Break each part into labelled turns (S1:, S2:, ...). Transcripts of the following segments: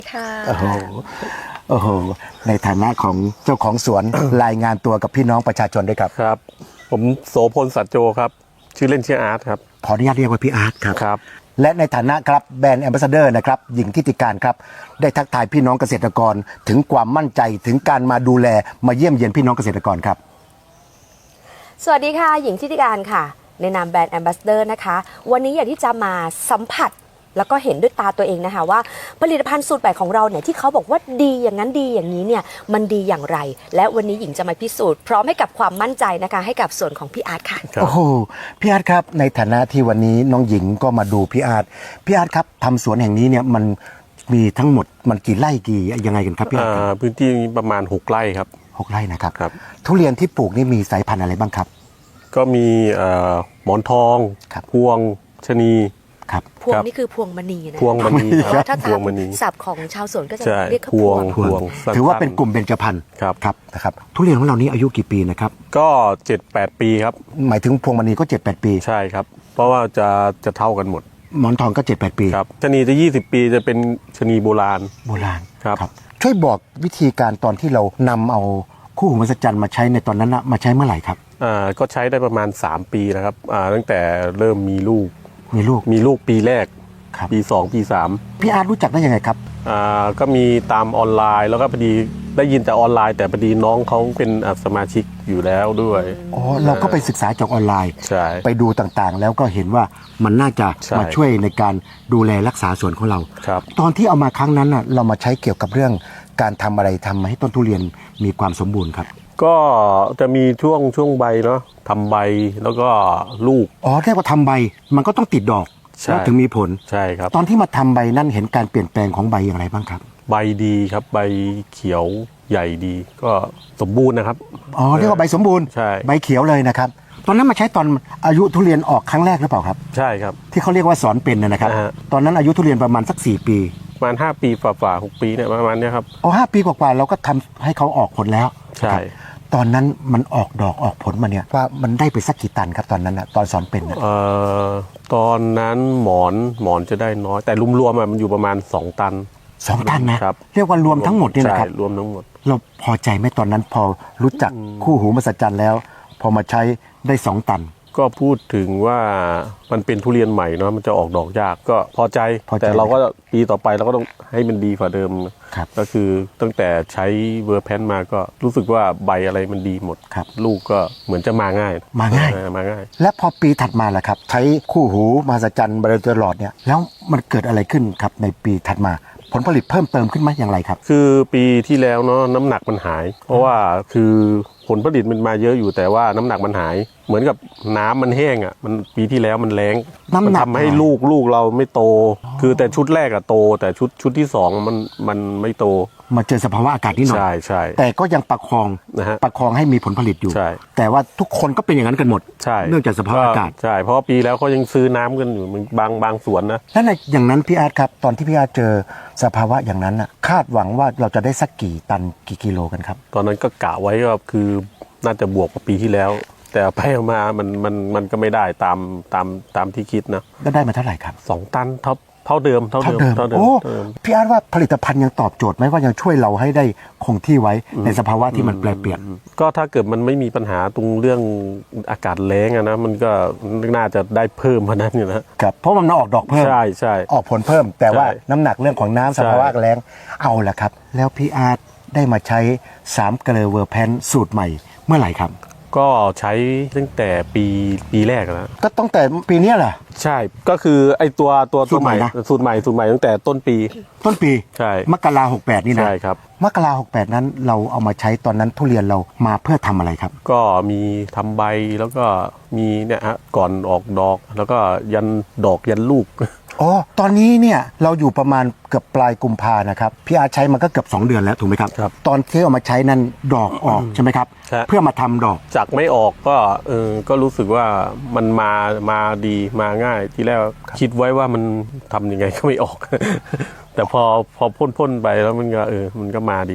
S1: ค่ะ
S2: โอ้โหโอ้โหในฐานะของเจ้าของสวน รายงานตัวกับพี่น้องประชาชนด้วยครับ
S3: ครับผมโสพลสัจโจครับชื่อเล่นชื่ออาร์ตครับ
S2: ขออนุญาตเรียกว่าพี่อาร์ตครับ
S3: ครับ
S2: และในฐานะครับแบรนด์แอมบาสเดอร์นะครับหญิงทิติการครับได้ทักทายพี่น้องเกษตรกรถึงความมั่นใจถึงการมาดูแลมาเยี่ยมเยียนพี่น้องเกษตรกรครับ
S1: สวัสดีค่ะหญิงทิติการค่ะในนามแบรนด์แอมบาสเดอร์นะคะวันนี้อยากที่จะมาสัมผัสแล้วก็เห็นด้วยตาตัวเองนะคะว่าผลิตภัณฑ์สูตรใหม่ของเราเนี่ยที่เขาบอกว่าดีอย่างนั้นดีอย่างนี้เนี่ยมันดีอย่างไรและวันนี้หญิงจะมาพิสูจน์พร้อมให้กับความมั่นใจนะคะให้กับส่วนของพี่อาร์ตค่ะ
S2: โอ้โหพี่อาร์ตครับในฐานะที่วันนี้น้องหญิงก็มาดูพี่อาร์ตครับทำสวนแห่งนี้เนี่ยมันมีทั้งหมดมันกี่ไร่กี่ยังไงกันครับพี่อาร์ตครับ
S3: พื้นที่ประมาณ6 ไร่ครับ
S2: 6 ไร่นะครับ
S3: ครับ
S2: ทุเรียนที่ปลูกนี่มีสายพันธุ์อะไรบ้างครับ
S3: ก็มีหมอนทอง
S2: ครับ
S3: พวงชะนี
S2: ครับ
S1: พวง
S3: ครับ
S1: นี่คือพวงมณีนะ
S3: พวงมณี
S1: เพราะว่าถ้า
S3: พวงมณี
S1: ศัพท์ของชาวสวนก็จะ
S3: ใช่
S1: เรียกเขา
S3: พ
S1: พ
S3: ว
S1: ว
S3: ง
S1: ง
S3: พวงสั้นๆ
S2: ถือว่าเป็นกลุ่มเบญจพรรณ
S3: ครับ
S2: ครับนะครับทุเรียนของเรานี้อายุกี่ปีนะครับ
S3: ก็ 7-8 ปีครับ
S2: หมายถึงพวงมณีก็ 7-8 ปี
S3: ใช่ครับ เพราะว่าจะเท่ากันหมด
S2: หมอนทองก็ 7-8 ปี
S3: ครับชะนีจะ20 ปีจะเป็นชะนีโบราณ
S2: โบราณ
S3: ครับ
S2: ช่วยบอกวิธีการตอนที่เรานำเอาคู่หูมหัศจรรย์มาใช้ในตอนนั้นนะมาใช้เมื่อไหร่ครับ
S3: ก็ใช้ได้ประมาณ3 ปีนะครับตั้งแต่เริ่มมีลูก
S2: มีลูก
S3: ปีแรก
S2: ครับ
S3: ปี 2 ปี 3
S2: พี่อาร์ตรู้จักได้ยังไงครับ
S3: ก็มีตามออนไลน์แล้วก็พอดีได้ยินแต่ออนไลน์แต่พอดีน้องเขาเป็นสมาชิกอยู่แล้วด้วย
S2: อ๋อเราก็ไปศึกษาจากออนไลน์
S3: ใช่
S2: ไปดูต่างๆ แล้วก็เห็นว่ามันน่าจะ
S3: ใช่
S2: มาช่วยในการดูแลรักษาสวนของเรา
S3: ครับ
S2: ตอนที่เอามาครั้งนั้นน่ะเรามาใช้เกี่ยวกับเรื่องการทำอะไรทำให้ต้นทุเรียนมีความสมบูรณ์ครับ
S3: ก็จะมีช่วงใบเนาะทำใบแล้วก็ลูก
S2: อ๋อเรียกว่าทำใบมันก็ต้องติดดอก
S3: ใช่
S2: แล้วถึงมีผล
S3: ใช่ครับ
S2: ตอนที่มาทำใบนั้นเห็นการเปลี่ยนแปลงของใบอย่างไรบ้างครับ
S3: ใบดีครับใบเขียวใหญ่ดี ก็สมบูรณ์นะครับ
S2: อ๋อเรียกว่าใบสมบูรณ์
S3: ใช่
S2: ใบเขียวเลยนะครับตอนนั้นมาใช้ตอนอายุทุเรียนออกครั้งแรกหรือเปล่าครับ
S3: ใช่ครับ
S2: ที่เขาเรียกว่าสอนเป็นนะครับ
S3: อ่าฮะ
S2: ตอนนั้นอายุทุเรียนประมาณสัก4 ปี
S3: ประมาณ5 ปีฝ่า6 ปีเนี่ยประมาณเนี้ยครับ
S2: อ๋อ5 ปีกว่าๆเราก็ทำให้เขาออกผลแล้ว
S3: ใช่
S2: ครับตอนนั้นมันออกดอกออกผลมาเนี่ยว่ามันได้ไปสักกี่ตันครับตอนนั้นนะตอนสอนเป็นนะ
S3: ตอนนั้นหมอนจะได้น้อยแต่รวมๆอะมันอยู่ประมาณ2 ตัน
S2: 2 ตันนะครับ เรียกว่ารวมทั้งหมดเนี่ยนะครับ
S3: ใช่รวมทั้งหมด
S2: เราพอใจไหมตอนนั้นพอรู้จักคู่หูมหัศจรรย์แล้ว พอมาใช้ได้2 ตัน
S3: ก็พูดถึงว่ามันเป็นทุเรียนใหม่เนาะมันจะออกดอกยากก็พอใจ
S2: พอใจ
S3: แต่เราก็ปีต่อไปเราก็ต้องให้มันดีกว่าเดิม
S2: ครับ
S3: ก็คือตั้งแต่ใช้เวอร์แพนมาก็รู้สึกว่าใบอะไรมันดีหมด
S2: ครับ
S3: ลูกก็เหมือนจะมาง่าย
S2: มาง่าย
S3: มาง่าย
S2: และพอปีถัดมาล่ะครับ ใช้คู่หูมหัศจรรย์บริตลอดเนี่ยแล้วมันเกิดอะไรขึ้นครับในปีถัดมา ผลผลิตเพิ่มเติมขึ้นไหมอย่างไรครับ
S3: คือปีที่แล้วเนาะน้ำหนักมันหาย เพราะว่าคือผลผลิตมันมาเยอะอยู่แต่ว่าน้ำหนักมันหาย เหมือนกับน้ำมันแห้งอ่ะมันปีที่แล้วมันแรง
S2: น้ำหนัก
S3: มัทำให้
S2: หาย
S3: ลูกเราไม่โต คือแต่ชุดแรกอะโต แต่ชุดที่สองมันไม่โต
S2: มาเจอสภาวะอากาศนิดหน่อย
S3: ใช่
S2: แต่ก็ยังประคอง
S3: นะฮะ
S2: ประคองให้มีผลผลิตอยู่
S3: ใช่
S2: แต่ว่าทุกคนก็เป็นอย่างนั้นกันหมด
S3: ใช่
S2: เนื่องจากสภาพอากาศ
S3: ใช่เพราะว่าปีแล้วเขายังซื้อน้ำกันอยู่มันบางสวนนะ
S2: และในอย่างนั้นพี่อาร์ตครับตอนที่พี่อาร์ตเจอสภาวะอย่างนั้นน่ะคาดหวังว่าเราจะได้สักกี่ตันกี่กิโลกันครับ
S3: ตอนนั้นก็กะไว้ว่าคือน่าจะบวกกว่าปีที่แล้ว แต่ไปมามันก็ไม่ได้ตามที่คิดนะ
S2: แล้วได้มาเท่าไหร่ครับ
S3: 2 ตันเท่าเดิม
S2: โอ้พี่อาร์ตว่าผลิตภัณฑ์ยังตอบโจทย์ไหมว่ายังช่วยเราให้ได้คงที่ไว้ในสภาวะที่มันแปรเปลี่ยน
S3: ก็ถ้าเกิดมันไม่มีปัญหาตรงเรื่องอากาศแล้งอะนะมันก็น่าจะได้เพิ่มเพราะนั้นอยู่นะครับ
S2: เพราะมันออกดอกเพิ่ม
S3: ใช่
S2: ออกผลเพิ่ม แต่ว่า
S3: ใช่
S2: น้ำหนักเรื่องของน้ำสภาวะแรงเอาละครับ แล้วพี่อาร์ตได้มาใช้3เกลอเวอร์แพนสูตรใหม่เมื่อไหร่ครับ
S3: ก็ใช้ตั้งแต่ปีแรกแล้ว
S2: ก็ตั้งแต่ปีเนี้ยแหละ
S3: ใช่ก็คือไอ้ตัว
S2: สูตรใหม่นะ
S3: สูตรใหม่ตั้งแต่ต้นปี
S2: ต้นปี
S3: ใช่
S2: มกรา68นี่นะ
S3: ใช่ครับ
S2: มกรา68นั้นเราเอามาใช้ตอนนั้นทุเรียนเรามาเพื่อทำอะไรครับ
S3: ก็มีทำใบแล้วก็มีเนี่ยฮะก่อนออกดอกแล้วก็ยันดอกยันลูก
S2: อ๋อตอนนี้เนี่ยเราอยู่ประมาณเกือบปลายกุมภานะครับพี่อาร์ตใช้มันก็เกือบ2 เดือนแล้วถูกไหมครับ
S3: ครับ
S2: ตอนที่เอามาใช้นั้นดอกออกใช่ไหมครับ
S3: ใช่
S2: เพื่อมาทำดอก
S3: จากไม่ออกก็รู้สึกว่ามันมาดีมาง่ายทีแรกคิดไว้ว่ามันทำยังไงก็ไม่ออก แต่พอพ่นไปแล้วมันก็มันก็มาดี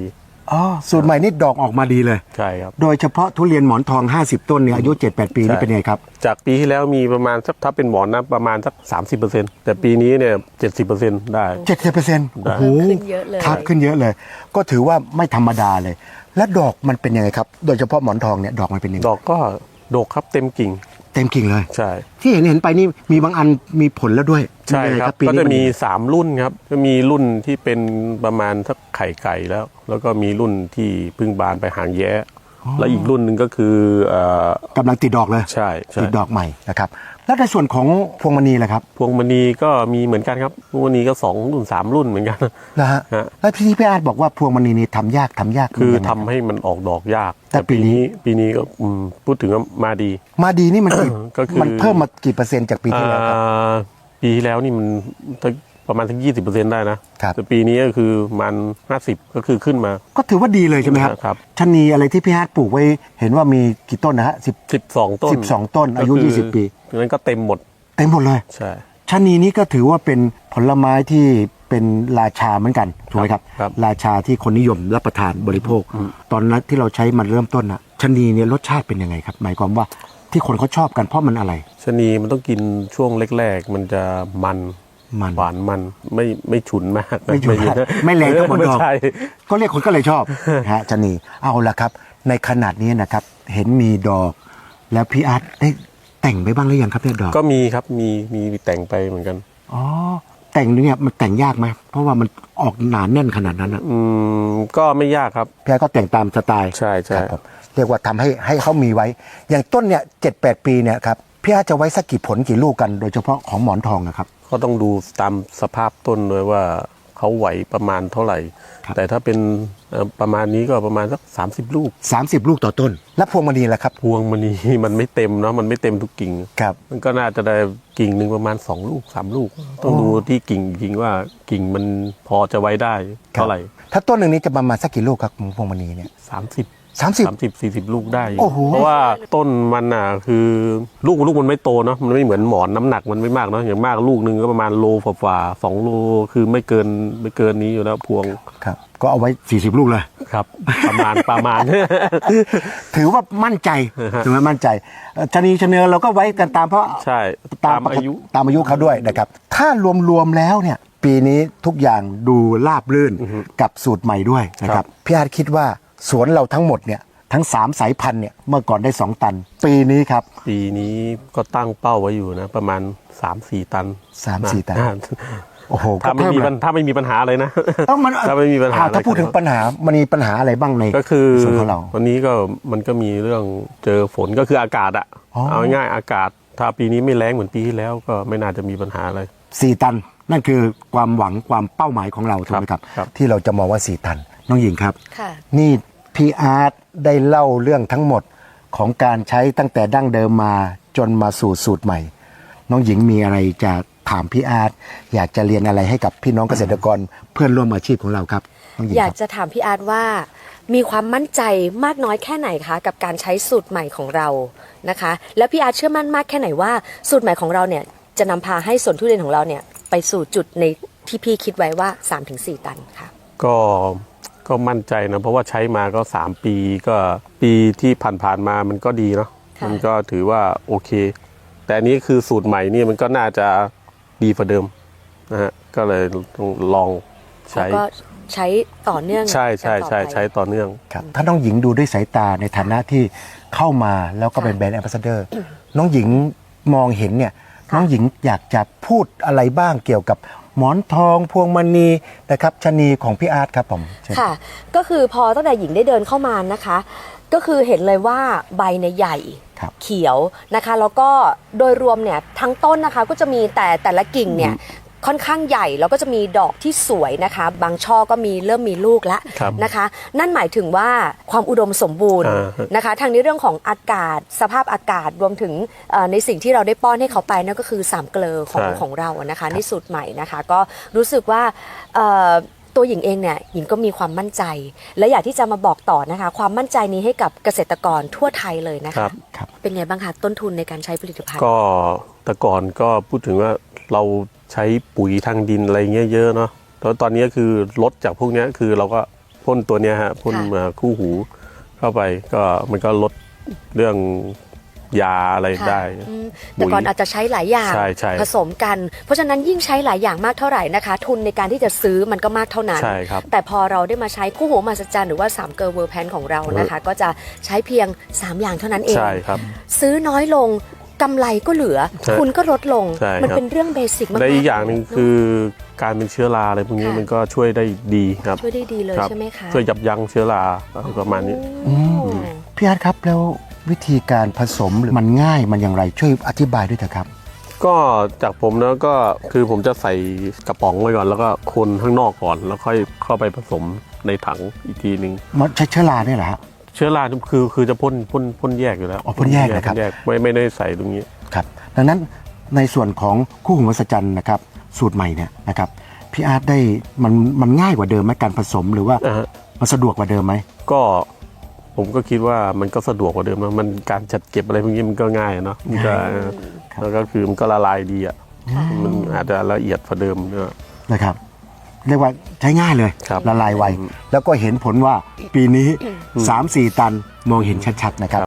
S2: อ๋อสูตรใหม่นี่ดอกออกมาดีเลย
S3: ใช่ครับ
S2: โดยเฉพาะทุเรียนหมอนทอง 50 ต้นเนี่ยอายุ 7-8 ปีนี่เป็นไงครับ
S3: จากปีที่แล้วมีประมาณสักถ้าเป็นหมอนนะประมาณสัก 30%แต่ปีนี้เนี่ย 70%ได้
S2: 70%โอ้โห
S1: ขึ้นเยอะเลย
S2: ครับขึ้นเยอะเลย ก็ถือว่าไม่ธรรมดาเลย และดอกมันเป็นยังไงครับ โดยเฉพาะหมอนทองเนี่ยดอกมันเป็นยังไง
S3: ดอกก็ดกครับเต็มกิ่ง
S2: เต็มกิ่งเลย
S3: ใช่
S2: ที่เห็นไปนี่มีบางอันมีผลแล้วด้วย
S3: ใช่
S2: เป็นยังไง
S3: ครับ
S2: ปี
S3: ก็
S2: นี้
S3: จะมี
S2: น
S3: 3 รุ่นครับก็มีรุ่นที่เป็นประมาณสักไข่ไก่แล้วก็มีรุ่นที่เพึ่งบานไปหางแย้แล้วอีกรุ่นหนึ่งก็คือก
S2: ำลังติดดอกเลย
S3: ใช่ใช่
S2: ติดดอกใหม่นะครับแล้วในส่วนของพวงมณีล่ะครับ
S3: พวงมณีก็มีเหมือนกันครับพวงมณีก็2 รุ่น 3 รุ่นเหมือนกัน
S2: นะฮะ
S3: ฮะ
S2: แล้วพี่อาร์ตบอกว่าพวงมณีนี่ทำยาก
S3: คือ
S2: ยังไง
S3: ทำให้มันออกดอกยาก
S2: แต่ปีนี้
S3: ปีนี้ก็พูดถึงว่ามาดี
S2: มาดีนี่มัน
S3: ก็คือ
S2: มันเพิ่มมากี่เปอร์เซ็นต์จากปีที่แล้วครับ
S3: ปีที่แล้วนี่มันประมาณทั้ง 20%ได้นะครับ แต่ปีนี้ก็คือมัน50ก็คือขึ้นมา
S2: ก็ถือว่าดีเลยใช่ไหมครับ
S3: ครับ
S2: ชะนีอะไรที่พี่อาร์ตปลูกไว้เห็นว่ามีกี่ต้นนะฮะ
S3: 12 ต้น
S2: 12 ต้นอายุ
S3: ก็คื
S2: 20 ปี
S3: นั้นก็เต็มหมด
S2: เต็มหมดเลย
S3: ใช่
S2: ชะนีนี้ก็ถือว่าเป็นผลไม้ที่เป็นราชาเหมือนกันถูกไหมครับ
S3: ครับ
S2: ราชาที่คนนิยมรับประทานบริโภค ตอนนั้นที่เราใช้มันเริ่มต้นนะชะนีเนี่ยรสชาติเป็นยังไงครับ หมายความว่าที่คนเขาชอบกันเพราะมันอะไร
S3: ชะนีมันต้องกินช่วงแรกๆ มันจะมัน
S2: มัน
S3: หวานมันไม่ฉุนมากนะ
S2: ไม่ฉุนมากไม่แรงเท่าหมอนทอง
S3: ไใช่
S2: ก็เรียกคนก็เลยชอบ ฮะชะนีเอาละครับ ในขนาดนี้นะครับ เห็นมีดอก แล้วพี่อาร์ตได้แต่งไปบ้างหรือยังครับเนี่ยดอก
S3: ก็มีครับมีแต่งไปเหมือนกัน
S2: อ๋อแต่งเนี่ยมันแต่งยากไหมเพราะว่ามันออกหนาแน่นขนาดนั้นนะ
S3: ก็ไม่ยากครับ
S2: พี่อาร์ตก็แต่งตามสไตล์
S3: ใช่ใช่
S2: ครับผมเรียกว่าทำให้เขามีไว้ อย่างต้นเนี่ย7-8 ปีเนี่ยครับพี่อาร์ตจะไว้สักกี่ผลกี่ลูกกันโดยเฉพาะของหมอนทองนะครับ
S3: ก็ต้องดูตามสภาพต้นด้วยว่าเขาไหวประมาณเท่าไหร่
S2: ครับ
S3: แต่ถ้าเป็นประมาณนี้ก็ประมาณสัก30 ลูก
S2: 30 ลูกต่อต้น แล้วพวงมณีล่ะครับ
S3: พวงมณี มันไม่เต็มเนาะมันไม่เต็มทุกกิ่ง
S2: ครับ
S3: มันก็น่าจะได้กิ่งหนึ่งประมาณ2 ลูก 3 ลูก ต้องดูที่กิ่งจริงว่ากิ่งมันพอจะไว้ได้เท่าไหร่
S2: ถ้าต้นหนึ่งนี้จะประมาณสักกี่ลูกครับพวงมณีเนี่ย
S3: 30
S2: 30
S3: 40 ลูกได้อยู่
S2: โอ้โห
S3: เพราะว่าต้นมันอ่ะคือลูกมันไม่โตเนาะมันไม่เหมือนหมอนน้ำหนักมันไม่มากเนาะอย่างมากลูกหนึ่งก็ประมาณโลฝ่าๆ2 โลคือไม่เกินนี้อยู่แล้วพวง
S2: ครับก็เอาไว้ 40 ลูกเลย
S3: ครับ ประมาณ
S2: ถือว่ามั่นใจถือว่ามั่นใจชะนีชะเนือเราก็ไว้กันตามเพราะ
S3: ใช่ตามอายุ
S2: ตามอายุเขาด้วยนะครับ ถ้ารวมๆแล้วเนี่ยปีนี้ทุกอย่างดูราบรื่นกับสูตรใหม่ด้วยนะครับพี่อาร์ตคิดว่าสวนเราทั้งหมดเนี่ยทั้ง3 สายพันธุ์เนี่ยเมื่อก่อนได้ 2 ตัน ปีนี้ครับ
S3: ปีนี้ก็ตั้งเป้าไว้อยู่นะประมาณ 3-4 ตัน
S2: 3-4 ตัน โอ้โห
S3: ถ้าไม่มีปัญหาเลยนะ
S2: ต้องมัน
S3: ถ้าไม่มีปัญหาอะไร
S2: ถ้าพูดถึงปัญหามันมีปัญหาอะไรบ้างใน
S3: ก็คือ
S2: ส่วนของเรา
S3: วันนี้ก็มันก็มีเรื่องเจอฝนก็คืออากาศอะ
S2: อ๋อ
S3: เอาง่ายๆอากาศ ถ้าปีนี้ไม่แรงเหมือนปีที่แล้วก็ไม่น่าจะมีปัญหาอะไร
S2: 4 ตัน นั่นคือความหวังความเป้าหมายของเราถูกไหมครับ
S3: ครับ
S2: ที่เราจะมองว่า 4 ตัน น้องหญิงครับ
S1: ค่ะ
S2: นี่พี่อาร์ตได้เล่าเรื่องทั้งหมดของการใช้ตั้งแต่ดั้งเดิมมาจนมาสู่สูตรใหม่ น้องหญิงมีอะไรจะถามพี่อาร์ตอยากจะเรียนอะไรให้กับพี่น้องเกษตรกรเพื่อนร่วมอาชีพของเราครับน้องหญิง
S1: อยาก
S2: ครับ
S1: จะถามพี่อาร์ตว่ามีความมั่นใจมากน้อยแค่ไหนคะกับการใช้สูตรใหม่ของเรานะคะ แล้วพี่อาร์ตเชื่อมั่นมากแค่ไหนว่าสูตรใหม่ของเราเนี่ยจะนำพาให้สวนทุเรียนของเราเนี่ยไปสู่จุดในที่พี่คิดไว้ว่า 3-4 ตันค่ะ
S3: ก็มั่นใจนะเพราะว่าใช้มาก็3 ปีก็ปีที่ผ่านๆมามันก็ดีเนาะ
S1: ค่ะ
S3: มันก็ถือว่าโอเค แต่อันนี้คือสูตรใหม่นี่มันก็น่าจะดีกว่าเดิมนะฮะก็เลยต้องลองใช้
S1: แล้วก็ใช้ต่อเนื่อง
S3: ใช่
S1: กันต่อไป
S3: ใช้ต่อเนื่อง
S2: ครับถ้าน้องหญิงดูด้วยสายตาในฐานะที่เข้ามาแล้วก็เป็น
S1: ค่ะ
S2: แบรนด์แอมบาสเดอร์ น้องหญิงมองเห็นเนี่ย
S1: ค่ะ
S2: น้องหญิงอยากจะพูดอะไรบ้างเกี่ยวกับหมอนทองพวงมณีนะครับชะนีของพี่อาร์ตครับผมเชิญ
S1: ค่ะ ก็คือพอตั้งแต่หญิงได้เดินเข้ามานะคะ ก็คือเห็นเลยว่าใบในยใหญ่
S2: ครับ
S1: เขียวนะคะ แล้วก็โดยรวมเนี่ยทั้งต้นนะคะก็จะมีแต่ละกิ่งเนี่ยค่อนข้างใหญ่แล้วก็จะมีดอกที่สวยนะคะ บางช่อก็เริ่มมีลูกแล้ว
S3: ครับ
S1: นะคะ นั่นหมายถึงว่าความอุดมสมบูรณ์
S3: อ่าฮะ
S1: นะคะทางในเรื่องของอากาศสภาพอากาศรวมถึงในสิ่งที่เราได้ป้อนให้เขาไปนั่นก็คือ3 เกลอของเราอะนะคะในสูตรใหม่นะคะ ก็รู้สึกว่าตัวหญิงเองเนี่ยหญิงก็มีความมั่นใจ และอยากที่จะมาบอกต่อนะคะ ความมั่นใจนี้ให้กับเกษตรกรทั่วไทยเลยนะ
S3: ครั
S1: คะ
S3: บ
S2: ครับ
S1: เป็นไงบ้างคะต้นทุนในการใช้ผลิตภัณฑ์
S3: ก็แต่ก่อนก็พูดถึงว่าเราใช้ปุ๋ยทางดินอะไรเงี้ยเยอะเนาะแล้วตอนนี้คือลดจากพวกเนี้ยคือเราก็พ่นตัวเนี้ยฮะพ่น
S1: ค่ะ
S3: คู่หูเข้าไปก็มันก็ลดเรื่องยาอะไร
S1: ค่ะ
S3: ได้
S1: แต่ก่อนอาจจะใช้หลายอย่าง
S3: ใช่ใช่
S1: ผสมกัน เพราะฉะนั้นยิ่งใช้หลายอย่างมากเท่าไหร่นะคะ ทุนในการที่จะซื้อมันก็มากเท่านั้น
S3: ใช่ครับ
S1: แต่พอเราได้มาใช้คู่หูมหัศจรรย์หรือว่า3เกอร์เวอร์แพนของเรานะคะ ก็จะใช้เพียง 3 อย่างเท่านั้นเอง
S3: ใช่ครับ
S1: ซื้อน้อยลงกำไรก็เหลือ
S3: ใช่
S1: ทุนก็ลดลง
S3: ใช่
S1: มัน
S3: ครับ
S1: เป็นเรื่องเบสิกมากๆ
S3: และอีกอย่างหนึ่งคือการเป็นเชื้อราอะไรพวกนี้
S1: ค่ะ
S3: มันก็ช่วยได้ดีครับ
S1: ช่วยได้ดีเลย
S3: ครับ
S1: ใช่ไหมคะ
S3: ช่วยยับยั้งเชื้อราอะไรประมาณนี้
S1: อืม
S2: พี่อาร์ตครับแล้ววิธีการผสมมันง่ายมันอย่างไรช่วยอธิบายด้วยเถอะครับ
S3: ก็จากผมแล้วก็คือผมจะใส่กระป๋องไว้ก่อน แล้วก็คนข้างนอกก่อน แล้วค่อยเข้าไปผสมในถังอีกทีหนึ่ง
S2: มันใช้เชื้อราเนี่ยเหรอฮะ
S3: เชื้อราคือจะพ่นแยกอยู่แล้ว
S2: อ๋อพ่นแยกนะครับ
S3: พ่นแยกไม่ได้ใส่ตรงนี้
S2: ครับดังนั้นในส่วนของคู่หูมหัศจรรย์นะครับสูตรใหม่เนี่ยนะครับพี่อาร์ตได้มันง่ายกว่าเดิมไหมการผสมหรือว่า
S3: อ่าฮะ
S2: มันสะดวกกว่าเดิมไหม
S3: ก็ผมก็คิดว่ามันก็สะดวกกว่าเดิมนะมันการจัดเก็บอะไรพวกนี้มันก็ง่ายเนาะมันก็แล้วก็คือมันก็ละลายดีอ่ะมันอาจจะละเอียดกว่าเดิมเนอะ
S2: นะครับเรียกว่าใช้ง่ายเลย
S3: ครับ
S2: ละลายไวแล้วก็เห็นผลว่าปีนี้ 3-4 ตันมองเห็นชัดๆนะครับ